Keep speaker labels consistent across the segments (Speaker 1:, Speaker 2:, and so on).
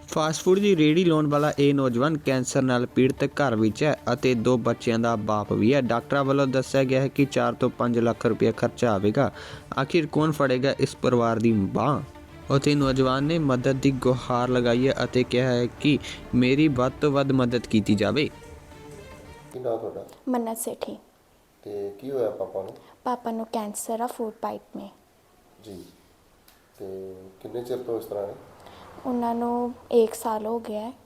Speaker 1: Fast food ਦੀ ਰੇਹੜੀ ਲਾਉਣ ਵਾਲਾ ਇਹ ਨੌਜਵਾਨ ਕੈਂਸਰ ਨਾਲ ਪੀੜਤ ਘਰ ਵਿੱਚ ਹੈ ਅਤੇ 2 ਬੱਚਿਆਂ ਦਾ ਬਾਪ ਵੀ ਹੈ। ਡਾਕਟਰਾਂ ਵੱਲੋਂ ਦੱਸਿਆ ਗਿਆ ਹੈ ਕਿ 4 ਤੋਂ 5 ਲੱਖ ਰੁਪਏ ਖਰਚਾ ਆਵੇਗਾ। ਆਖਿਰ ਕੌਣ ਫੜੇਗਾ ਇਸ ਪਰਿਵਾਰ ਦੀ ਬਾਂਹ। ਅਤੇ ਨੌਜਵਾਨ ਨੇ ਮਦਦ ਦੀ ਗੁਹਾਰ ਲਗਾਈ ਹੈ ਅਤੇ ਕਿਹਾ ਹੈ ਕਿ ਮੇਰੀ ਵੱਧ ਤੋਂ ਵੱਧ ਮਦਦ ਕੀਤੀ ਜਾਵੇ।
Speaker 2: ਕੀ ਨਾਮ ਤੁਹਾਡਾ?
Speaker 3: ਮੰਨਤ ਸੇਠੀ।
Speaker 2: ਤੇ ਕੀ ਹੋਇਆ ਪਾਪਾ ਨੂੰ?
Speaker 3: ਪਾਪਾ ਨੂੰ ਕੈਂਸਰ ਆ ਫੂਡ ਪਾਈਪ में।
Speaker 2: ਜੀ। ਤੇ ਕਿੰਨੇ ਚਿਰ ਤੋਂ ਇਸ ਤਰ੍ਹਾਂ ਹੈ?
Speaker 3: ਉਹਨਾਂ ਨੂੰ 1 ਸਾਲ ਹੋ ਗਿਆ ਹੈ।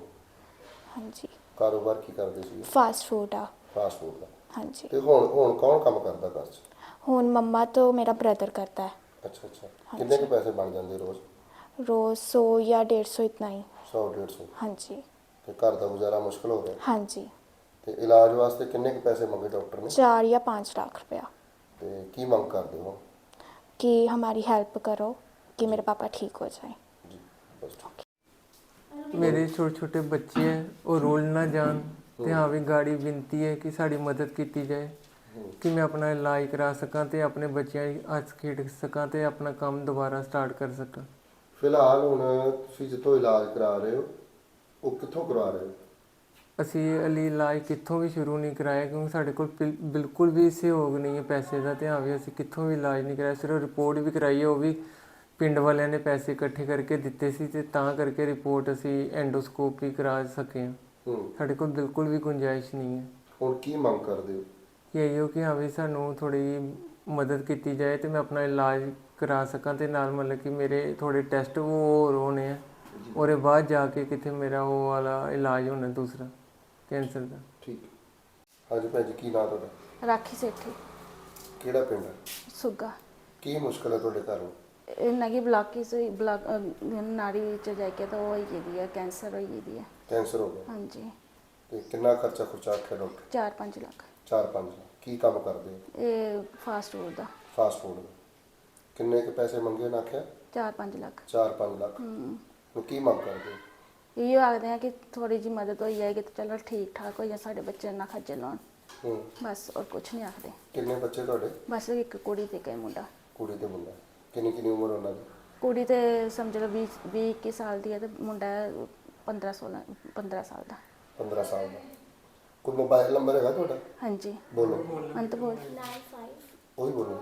Speaker 3: ਹਾਂਜੀ।
Speaker 2: ਕਾਰੋਬਾਰ ਕੀ ਕਰਦੇ ਸੀ?
Speaker 3: ਫਾਸਟ ਫੂਡ ਆ।
Speaker 2: ਫਾਸਟ ਫੂਡ ਦਾ।
Speaker 3: ਹਾਂਜੀ।
Speaker 2: ਤੇ ਹੁਣ ਕੌਣ ਕੰਮ ਕਰਦਾ ਘਰ 'ਚ?
Speaker 3: ਹੁਣ ਮੰਮਾ ਤੋਂ ਮੇਰਾ ਬ੍ਰਦਰ ਕਰता है।
Speaker 2: ਅੱਛਾ। ਕਿੰਨੇ ਕੁ ਪੈਸੇ ਬਣ ਜਾਂਦੇ ਰੋਜ਼?
Speaker 3: रोज़ 100 या 150 इतना ही।
Speaker 2: 100-150?
Speaker 3: ਹਾਂਜੀ।
Speaker 2: ਤੇ ਘਰ ਦਾ ਗੁਜ਼ਾਰਾ ਮੁਸ਼ਕਲ ਹੋ ਰਿਹਾ?
Speaker 3: ਹਾਂਜੀ।
Speaker 2: ਤੇ ਇਲਾਜ ਵਾਸਤੇ ਕਿੰਨੇ ਕੁ ਪੈਸੇ ਮੰਗੇ ਡਾਕਟਰ ਨੇ?
Speaker 3: 4 या 5 लाख रुपया।
Speaker 2: ਤੇ ਕੀ ਮੰਗ ਕਰਦੇ ਹੋ?
Speaker 3: कि हमारी हेल्प करो कि मेरे पापा ठीक हो जाए।
Speaker 2: ਜੀ ਬਸ।
Speaker 4: मेरे छोटे छोटे बच्चे हैं वो रोल ना जान तो हाँ भी गाड़ी विनती है कि साड़ी मदद की जाए कि मैं अपना इलाज करा सकां ते अपने बच्चों हੱਸ खेड सकां ते अपना काम दोबारा स्टार्ट कर सकां।
Speaker 2: ਫਿਲਹਾਲ ਹੁਣ ਤੁਸੀਂ ਜਿੱਥੋਂ ਇਲਾਜ ਕਰਾ ਰਹੇ ਹੋ ਉਹ ਕਿੱਥੋਂ ਕਰਵਾ ਰਹੇ ਹੋ?
Speaker 4: ਅਸੀਂ ਅਲੀ ਇਲਾਜ ਕਿੱਥੋਂ ਵੀ ਸ਼ੁਰੂ ਨਹੀਂ ਕਰਾਇਆ ਕਿਉਂਕਿ ਸਾਡੇ ਕੋਲ ਬਿਲਕੁਲ ਵੀ ਸਹਿਯੋਗ ਨਹੀਂ ਹੈ ਪੈਸੇ ਦਾ। ਤੇ ਹਾਂ ਵੀ ਅਸੀਂ ਕਿੱਥੋਂ ਵੀ ਇਲਾਜ ਨਹੀਂ ਕਰਾਇਆ। ਸਿਰਫ ਰਿਪੋਰਟ ਵੀ ਕਰਾਈ ਹੈ, ਉਹ ਵੀ ਪਿੰਡ ਵਾਲਿਆਂ ਨੇ ਪੈਸੇ ਇਕੱਠੇ ਕਰਕੇ ਦਿੱਤੇ ਸੀ ਤੇ ਤਾਂ ਕਰਕੇ ਰਿਪੋਰਟ ਅਸੀਂ ਐਂਡੋਸਕੋਪੀ ਕਰਾ ਸਕੇ ਹਾਂ। ਸਾਡੇ ਕੋਲ ਬਿਲਕੁਲ ਵੀ ਗੁੰਜਾਇਸ਼ ਨਹੀਂ ਹੈ।
Speaker 2: ਹੁਣ ਕੀ ਮੰਗ ਕਰਦੇ ਹੋ?
Speaker 4: ਕਿ ਇਹੋ ਕਿ ਹਾਂ ਵੀ ਸਾਨੂੰ ਥੋੜ੍ਹੀ ਮਦਦ ਕੀਤੀ ਜਾਏ ਤੇ ਮੈਂ ਆਪਣਾ ਇਲਾਜ ਕਰਾ ਸਕਾਂ ਤੇ ਨਾਲ ਮਤਲਬ ਕਿ ਮੇਰੇ ਥੋੜ੍ਹੇ ਟੈਸਟ ਉਹ ਹੋਰ ਹੋਣੇ ਆ ਉਹਦੇ ਬਾਅਦ ਜਾ ਕੇ ਕਿਤੇ ਮੇਰਾ ਉਹ ਵਾਲਾ ਇਲਾਜ ਹੋਣਾ ਦੂਸਰਾ ਕੈਂਸਰ ਦਾ।
Speaker 2: ਠੀਕ। ਹਾਂਜੀ ਭੈਣ ਜੀ, ਕੀ ਨਾਮ ਤੁਹਾਡਾ?
Speaker 3: राखी सेठी।
Speaker 2: ਕਿਹੜਾ ਪਿੰਡ ਹੈ?
Speaker 3: सुगा।
Speaker 2: ਕੀ ਮੁਸ਼ਕਲ ਹੈ ਤੁਹਾਡੇ ਘਰ ਨੂੰ?
Speaker 5: ਇਹਨਾਂ ਦੀ ਬਲਾਕ ਨਾੜੀ ਚ ਜਾ ਕੇ ਤਾਂ ਉਹ ਹੀ ਦੀ ਹੈ, ਕੈਂਸਰ ਹੋਈ ਦੀ ਹੈ।
Speaker 2: ਕੈਂਸਰ ਹੋ ਗਿਆ?
Speaker 5: ਹਾਂਜੀ।
Speaker 2: ਤੇ ਕਿੰਨਾ ਖਰਚਾ ਆਖਿਆ ਡਾਕਟਰ?
Speaker 5: 4-5 ਲੱਖ।
Speaker 2: 4-5? ਕੀ ਕੰਮ ਕਰਦੇ ਹੋ?
Speaker 5: ਇਹ ਫਾਸਟ ਫੂਡ ਦਾ।
Speaker 2: ਫਾਸਟ ਫੂਡ ਦਾ। ਕਿੰਨੇ ਕੁ ਪੈਸੇ ਮੰਗੇ ਨਾ ਆਖਿਆ?
Speaker 5: 4-5 ਲੱਖ।
Speaker 2: 4-5 ਲੱਖ। ਹੁਣ ਕੀ ਮੰਗ ਕਰਦੇ ਹੋ?
Speaker 5: ਇਹ ਆਖਦੇ ਆ ਕਿ ਥੋੜੀ ਜਿਹੀ ਮਦਦ ਹੋਈ ਜਾਏਗੀ ਤਾਂ ਚਲੋ ਠੀਕ ਠਾਕ ਹੋ ਜਾ, ਸਾਡੇ ਬੱਚੇ ਨਾ ਖੱਜਲ ਹੋਣ ਬਸ, ਔਰ ਕੁਛ ਨਹੀਂ ਆਖਦੇ।
Speaker 2: ਕਿੰਨੇ ਬੱਚੇ ਤੁਹਾਡੇ?
Speaker 5: ਬਸ ਇੱਕ ਕੁੜੀ ਤੇ ਇੱਕ ਮੁੰਡਾ।
Speaker 2: ਕੁੜੀ ਤੇ ਮੁੰਡਾ? ਕਿੰਨੀ ਉਮਰ ਉਹਨਾਂ ਦੀ?
Speaker 5: ਕੁੜੀ ਤੇ ਸਮਝ ਲਓ 20-21 ਸਾਲ ਦੀ ਹੈ ਤੇ ਮੁੰਡਾ 15 ਸਾਲ ਦਾ।
Speaker 2: 15 ਸਾਲ ਦਾ। ਕੋਈ ਮੋਬਾਈਲ ਨੰਬਰ ਹੈਗਾ ਤੁਹਾਡਾ?
Speaker 5: ਹਾਂਜੀ।
Speaker 2: ਬੋਲੋ।
Speaker 5: ਅੰਤ ਬੋਲ।
Speaker 6: 95
Speaker 2: ਉਹੀ ਬੋਲੋ।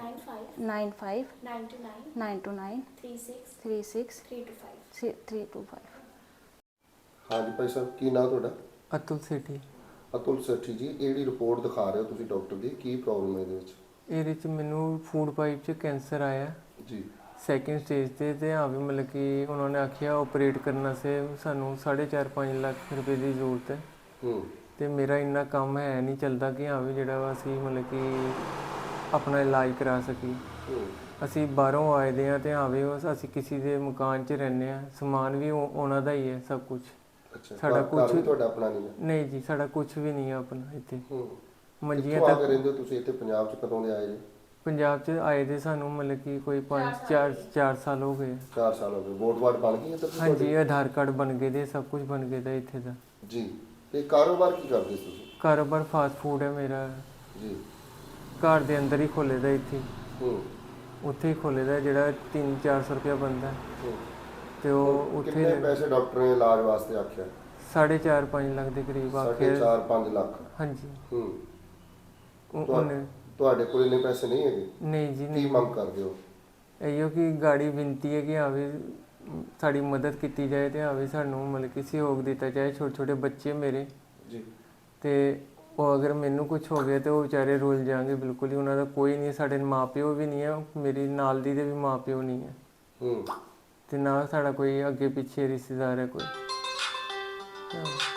Speaker 6: 95
Speaker 5: 95
Speaker 6: 99
Speaker 5: 99
Speaker 6: 36
Speaker 5: 36
Speaker 6: 325।
Speaker 2: ਹਾਂਜੀ ਭਾਈ ਸਾਹਿਬ, ਕੀ ਨਾਮ ਤੁਹਾਡਾ?
Speaker 4: ਅਤੁਲ ਸੇਠੀ।
Speaker 2: ਅਤੁਲ ਸੇਠੀ ਜੀ, ਇਹ ਜਿਹੜੀ ਰਿਪੋਰਟ ਦਿਖਾ ਰਹੇ ਹੋ ਤੁਸੀਂ ਡਾਕਟਰ ਦੀ, ਕੀ ਪ੍ਰੋਬਲਮ ਹੈ ਇਹਦੇ ਵਿੱਚ?
Speaker 4: ਇਹਦੇ 'ਚ ਮੈਨੂੰ ਫੂਡ ਪਾਈਪ 'ਚ ਕੈਂਸਰ ਆਇਆ
Speaker 2: ਜੀ।
Speaker 4: ਸੈਕਿੰਡ ਸਟੇਜ ਤੇ ਹਾਂ ਵੀ ਮਤਲਬ ਕਿ ਉਹਨਾਂ ਨੇ ਆਖਿਆ ਆਪਰੇਟ ਕਰਨ ਸੇ ਸਾਨੂੰ 4.5 ਲੱਖ ਰੁਪਏ ਦੀ ਜ਼ਰੂਰਤ ਹੈ। ਤੇ ਮੇਰਾ ਇੰਨਾ ਕੰਮ ਹੈ ਨਹੀਂ ਚੱਲਦਾ ਕਿ ਹਾਂ ਵੀ ਜਿਹੜਾ ਵਾ ਅਸੀਂ ਮਤਲਬ ਕਿ ਆਪਣਾ ਇਲਾਜ ਕਰਾ ਸਕੀਏ। ਅਸੀਂ ਬਾਹਰੋਂ ਆਏ ਦੇ ਹਾਂ ਤੇ ਹਾਂ ਵੀ ਅਸੀਂ ਕਿਸੇ ਦੇ ਮਕਾਨ 'ਚ ਰਹਿੰਦੇ ਹਾਂ, ਸਮਾਨ ਵੀ ਉਹਨਾਂ ਦਾ ਹੀ ਹੈ ਸਭ ਕੁਝ। ਸਾਡਾ ਕੁਝ
Speaker 2: ਤੁਹਾਡਾ ਆਪਣਾ ਨਹੀਂ ਹੈ?
Speaker 4: ਨਹੀਂ ਜੀ, ਸਾਡਾ ਕੁਝ ਵੀ ਨਹੀਂ ਹੈ ਆਪਣਾ ਇੱਥੇ। ਮੰਜੀਆਂ
Speaker 2: ਤੱਕ
Speaker 4: ਤੱਕ
Speaker 2: ਰਹਿੰਦੇ ਹੋ ਤੁਸੀਂ ਇੱਥੇ ਪੰਜਾਬ 'ਚ? ਕਦੋਂ ਦੇ ਆਏ ਜੀ?
Speaker 4: ਪੰਜਾਬ 'ਚ ਆਏ ਦੇ ਸਾਨੂੰ ਮਤਲਬ ਕਿ ਕੋਈ 4 ਸਾਲ ਹੋ ਗਏ।
Speaker 2: 4 ਸਾਲ ਹੋ ਗਏ। ਵੋਟ ਵਾਟ ਬਣ ਗਈ ਇੱਧਰ?
Speaker 4: ਹਾਂਜੀ, ਆਧਾਰ ਕਾਰਡ ਬਣ ਗਏ ਦੇ, ਸਭ ਕੁਝ ਬਣ ਗਏ ਦਾ ਇੱਥੇ ਦਾ।
Speaker 2: ਜੀ। ਤੇ ਕਾਰੋਬਾਰ ਕੀ ਕਰਦੇ ਤੁਸੀਂ?
Speaker 4: ਕਾਰੋਬਾਰ ਫਾਸਟ ਫੂਡ ਹੈ ਮੇਰਾ
Speaker 2: ਜੀ।
Speaker 4: ਘਰ ਦੇ ਅੰਦਰ ਹੀ ਖੋਲੇ ਦਾ ਇੱਥੇ। ਉੱਥੇ ਹੀ ਖੋਲੇ ਦਾ ਜਿਹੜਾ 300-400 ਰੁਪਇਆ ਬਣਦਾ ਤੇ ਉਹ ਉੱਥੇ।
Speaker 2: ਕਿੰਨੇ ਪੈਸੇ ਡਾਕਟਰ ਨੇ ਇਲਾਜ ਵਾਸਤੇ ਆਖਿਆ?
Speaker 4: 4.5 ਲੱਖ ਦੇ ਕਰੀਬ ਆਖਿਆ।
Speaker 2: 4.5 ਲੱਖ?
Speaker 4: ਹਾਂਜੀ।
Speaker 2: ਤੁਹਾਡੇ ਕੋਲ ਇੰਨੇ ਪੈਸੇ ਨਹੀਂ ਹੈਗੇ?
Speaker 4: ਨਹੀਂ ਜੀ,
Speaker 2: ਕੀ
Speaker 4: ਨਹੀਂ।
Speaker 2: ਮੰਗ ਕਰਦੇ ਹੋ?
Speaker 4: ਇਹੋ ਕਿ ਗਾੜੀ ਬੇਨਤੀ ਹੈ ਕਿ ਹਾਂ ਵੀ ਸਾਡੀ ਮਦਦ ਕੀਤੀ ਜਾਏ ਤੇ ਹਾਂ ਵੀ ਸਾਨੂੰ ਮਤਲਬ ਕਿ ਸਹਿਯੋਗ ਦਿੱਤਾ ਜਾਏ। ਛੋਟੇ ਛੋਟੇ ਬੱਚੇ ਮੇਰੇ
Speaker 2: ਜੀ। ਤੇ
Speaker 4: ਉਹ ਅਗਰ ਮੈਨੂੰ ਕੁਝ ਹੋ ਗਿਆ ਤੇ ਉਹ ਵਿਚਾਰੇ ਰੁੱਲ ਜਾਣਗੇ ਬਿਲਕੁਲ ਹੀ। ਉਹਨਾਂ ਦਾ ਕੋਈ ਨਹੀਂ, ਸਾਡੇ ਮਾਂ ਪਿਓ ਵੀ ਨਹੀਂ ਹੈ, ਮੇਰੀ ਨਾਲ ਦੀ ਦੇ ਵੀ ਮਾਂ ਪਿਓ ਨਹੀਂ ਹੈ ਤੇ ਨਾ ਸਾਡਾ ਕੋਈ ਅੱਗੇ ਪਿੱਛੇ ਰਿਸ਼ਤੇਦਾਰ ਹੈ ਕੋਈ।